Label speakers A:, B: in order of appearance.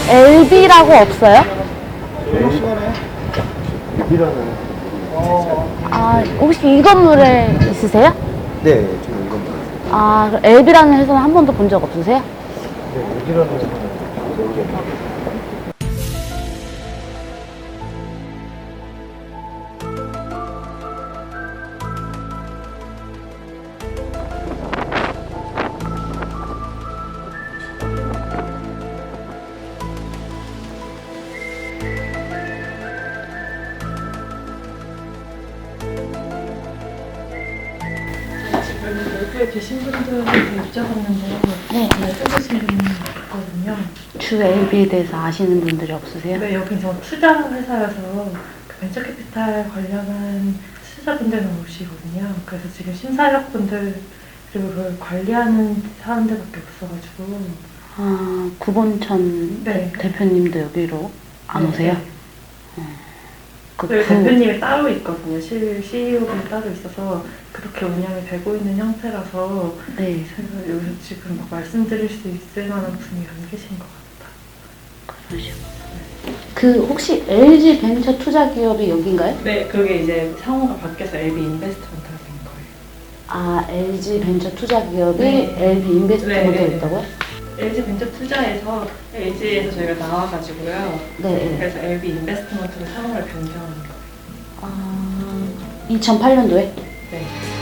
A: LB라고 없어요?
B: LB라는
A: 아, 혹시 이 건물에 있으세요?
B: 네, 지금 이건 맞아요.
A: 아, LB라는 회사는 한 번도 본 적 없으세요?
B: 네, LB라는 모르겠네요.
C: 지금 여기에 계신 분들한테 여쭤봤는데
A: 네.
C: 쓰시는 분이 있거든요.
A: 주 LB에 대해서 아시는 분들이 없으세요?
C: 네, 여기 저 투자 회사여서 그 벤처캐피탈 관련한 투자분들만 오시거든요. 그래서 지금 심사역분들 그리고 그걸 관리하는 사람들밖에 없어가지고.
A: 아, 구본천
C: 네.
A: 대표님도 여기로 안
C: 네,
A: 오세요?
C: 네.
A: 그
C: 그 대표님이 따로 있거든요. CEO분이 따로 있어서 그렇게 운영이 되고 있는 형태라서
A: 네,
C: 제가 여기서 지금 막 말씀드릴 수 있을 만한 분이 안 계신 것 같아요.
A: 그러시구나. 그 혹시 LG 벤처 투자 기업이 여긴가요?
C: 네, 그게 이제 상호가 바뀌어서 LB 인베스트먼트가 된 거예요.
A: 아, LG 벤처 투자 기업이
C: 네.
A: LB 인베스트먼트가
C: 네, 네.
A: 있다고요?
C: LG 벤처 투자에서 LG에서 저희가 나와가지고요.
A: 네.
C: 그래서 LB 인베스트먼트로 상호를 변경한 거예요.
A: 아, 2008년도에?
C: 네.